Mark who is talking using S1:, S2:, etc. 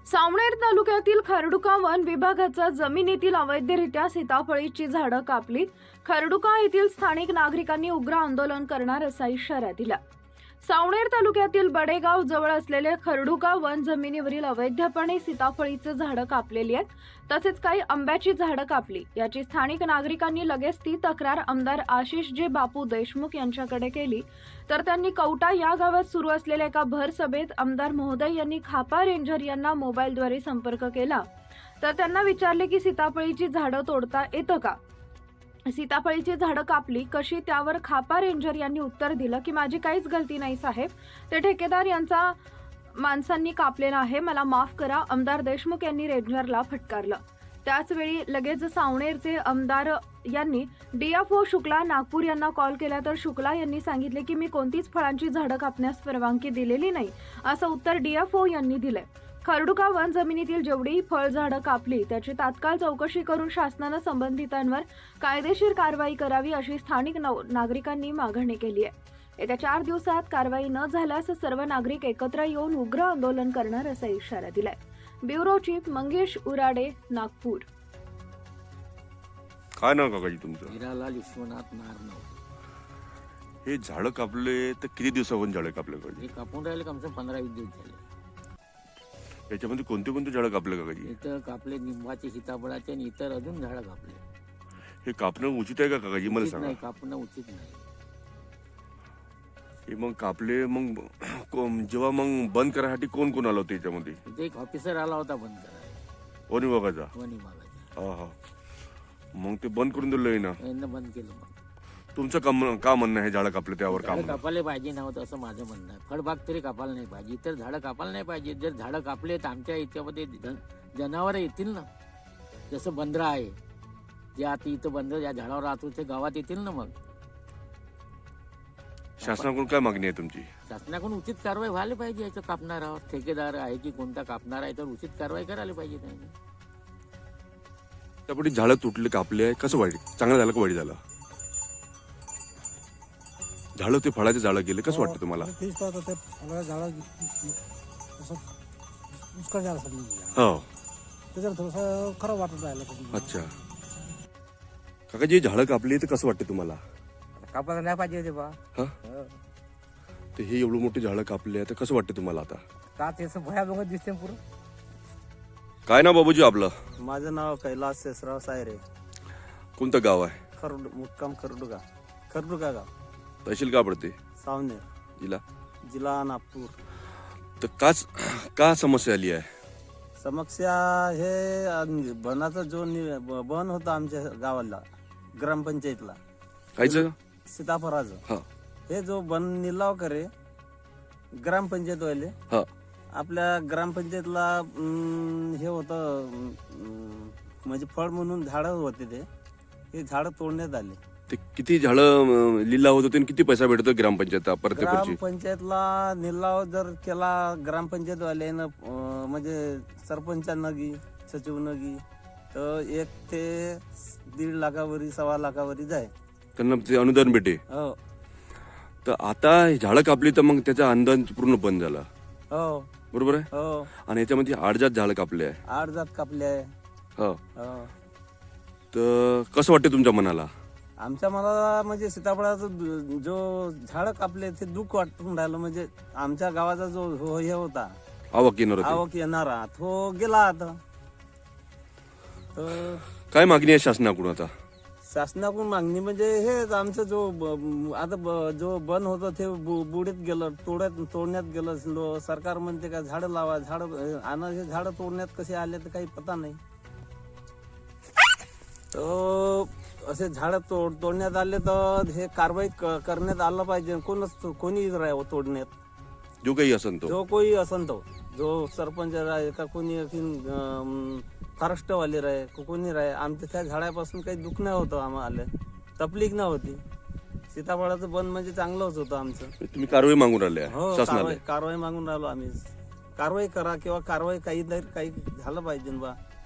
S1: सावनेर तालुक्यातील खरडुका वन विभागाचा जमिनीतील अवैधरित्या सीताफळीची झाडं कापली. खरडुका येथील स्थानिक नागरिकांनी उग्र आंदोलन करणार असा इशारा दिला. सावनेर तालुक्यातील बडेगाव जवळ असलेले खरडुका वन जमिनीवरील अवैधपणे सीताफळीची झाडं कापलेली आहेत. तसेच काही आंब्याची झाडं कापली. याची स्थानिक नागरिकांनी लगेच ती तक्रार आमदार आशिष जे बापू देशमुख यांच्याकडे केली. तर त्यांनी कवटा या गावात सुरू असलेल्या एका भर सभेत आमदार महोदय यांनी खापा रेंजर यांना मोबाईलद्वारे संपर्क केला. तर त्यांना विचारले की सीताफळीची झाडं तोडता येतं का, सीताफळीची झाडं कापली कशी. त्यावर खापा रेंजर यांनी उत्तर दिलं की माझी काहीच गलती नाही साहेब, ते ठेकेदार यांचा माणसांनी कापलेलं आहे, मला माफ करा. आमदार देशमुख यांनी रेंजरला फटकारलं. त्याचवेळी लगेच सावनेरचे आमदार यांनी DFO शुक्ला नागपूर यांना कॉल केला. तर शुक्ला यांनी सांगितले की मी कोणतीच फळांची झाडं कापण्यास परवानगी दिलेली नाही असं उत्तर DFO यांनी दिलंय. खरडुका वन जमिनीतील जेवढीही फळझाडं कापली त्याची तात्काळ चौकशी करून शासनानं संबंधितांवर कायदेशीर कारवाई करावी अशी स्थानिक नागरिकांनी मागणी केली आहे. येत्या 4 दिवसात कारवाई न झाल्यास सर्व नागरिक एकत्र येऊन उग्र आंदोलन करणार असा इशारा दिलाय. Bureau chief Mangesh Urade, Nagpur.
S2: काय नाव काकाजी तुमचं?
S3: हिरालाल विश्वनाथ नारनव.
S2: हे झाडं कापले तर किती दिवसापासून झाडं कापले काकाजी?
S3: हे कापून राहिले कम से कम 15-20 दिवस झाले.
S2: याच्यामध्ये कोणते कोणते झाडं कापले काकाजी?
S3: इथं कापले निंबाचे, सीताफळाचे आणि इतर अजून झाडं कापले.
S2: हे कापणं उचित आहे का काकाजी, मला
S3: उचित
S2: सांगा.
S3: नाही, कापणं उचित नाही.
S2: हे मग कापले, मग जेव्हा मग बंद करायसाठी कोण कोण आलं होतं याच्यामध्ये?
S3: इथे एक ऑफिसर आला होता बंद करायला,
S2: वन विभागाचा.
S3: वन विभागाचा.
S2: हा हा. मग ते बंद करून दिलं ना.
S3: यांना बंद केलं. मग
S2: तुमचं का म्हणणं आहे झाडं कापले त्यावर काम?
S3: झाडं कापायला पाहिजे नव्हतं असं माझं म्हणणं आहे. फळबाग तरी कापायला नाही पाहिजे, इतर झाडं कापायला नाही पाहिजे. जर झाडं कापले तर आमच्या याच्यामध्ये जनावर येतील ना. जसं बंदरा आहे, जे आता इथं बंदर ज्या झाडावर राहतो ते गावात येतील ना. मग
S2: शासनाकडून काय मागणी आहे तुमची?
S3: शासनाकडून उचित कारवाई व्हायला पाहिजे. याचं कापणारावर ठेकेदार आहे की कोणता कापणार आहे तर उचित कारवाई करायला पाहिजे त्यांनी.
S2: त्यापैकी झाडं तुटले, कापले आहे, कसं वाईट? चांगलं झालं का वाईट झालं? झाडं ते फळाचे झाडं गेले, कसं वाटतं तुम्हाला?
S4: तेच पाहतो ते फळाचं झाडं असं उस्कर झालं सगळं.
S2: हो.
S4: त्याच्यावर थोडंसं खरं वाटत राहिलं.
S2: अच्छा काकाजी, झाडं कापली तर कसं वाटतं तुम्हाला?
S5: कापायला नाही पाहिजे होते बा.
S2: हा, तर हे एवढं मोठी झाडं कापली आहे तर कसं वाटतं तुम्हाला आता?
S5: का ते असं भयाभंग दिसते पुरं.
S2: काय नाव बाबूजी आपलं?
S4: माझं नाव कैलास शेषराव सायरे.
S2: कोणतं गाव आहे?
S4: मुक्काम खरडुका गाव,
S2: तहसील का पडते?
S4: सावनेर, जिल्हा नागपूर.
S2: तर का समस्या आली आहे?
S4: समस्या हे बनाचा जो बन होता आमच्या गावाला, ग्रामपंचायतला,
S2: कायचं?
S4: सीताफळाचं.
S2: हा.
S4: हे जो बन निलाव करे ग्रामपंचायत वाले,
S2: हा.
S4: आपल्या ग्रामपंचायतला हे होतं, म्हणजे फळ म्हणून झाडं होते ते. हे झाडं तोडण्यात आले.
S2: ते किती झाडं लिलाव होत होते आणि किती पैसा भेटतो ग्रामपंचायत प्रत्येक वर्षी?
S4: ग्रामपंचायतला निलाव जर केला ग्रामपंचायत वाल्यानं, म्हणजे सरपंचांना गी, सचिवनं गी, तर 1 ते 1.5 लाखावरी, 1.25 लाखावरी जाय.
S2: त्यांना ते अनुदान भेटे.
S4: हो
S2: तर आता झाडं कापली तर मग त्याचं अनुदान पूर्ण बंद झालं.
S4: हो
S2: बरोबर आहे.
S4: हो.
S2: आणि याच्यामध्ये 8 जात झाडं कापले आहे.
S4: 8 जात कापले आहे.
S2: हो.
S4: हो.
S2: तर कसं वाटतं तुमच्या मनाला?
S4: आमच्या मला म्हणजे सीताफळाचं जो झाडं कापले ते दुःख वाटून राहिलं. म्हणजे आमच्या गावाचा जो हे होता,
S2: आवक येणार होती.
S4: आवक येणारा, तो गेला आता. तर
S2: काय मागणी आहे शासनाकडून आता?
S4: शासनाकडून मागणी म्हणजे हेच आमचं जो बन होतं ते बुडीत गेलं, तोडण्यात गेलं. सरकार म्हणते का झाडं लावा, झाडं आणा. हे झाडं तोडण्यात कसे आले तर काही पता नाही. तर असे झाडं तोडण्यात आले तर हे कारवाई करण्यात आलं पाहिजे. कोणी राहावं तोडण्यात,
S2: जो काही असन तो.
S4: जो कोणी असन तो, जो सरपंच राहे का कोणी फॉरेस्टवाले राहे, कोणी राहे. आमच्या त्या झाडापासून काही दुःख नाही होतं, आम्हाला तकलीफ नाही होती. सीताफळाचं बन म्हणजे चांगलंच होतं आमचं.
S2: तुम्ही कारवाई मागून राहिले
S4: हो,
S2: शासनाला?
S4: कारवाई मागून राहिलो आम्ही. कारवाई करा किंवा कारवाई काही झालं पाहिजे बा.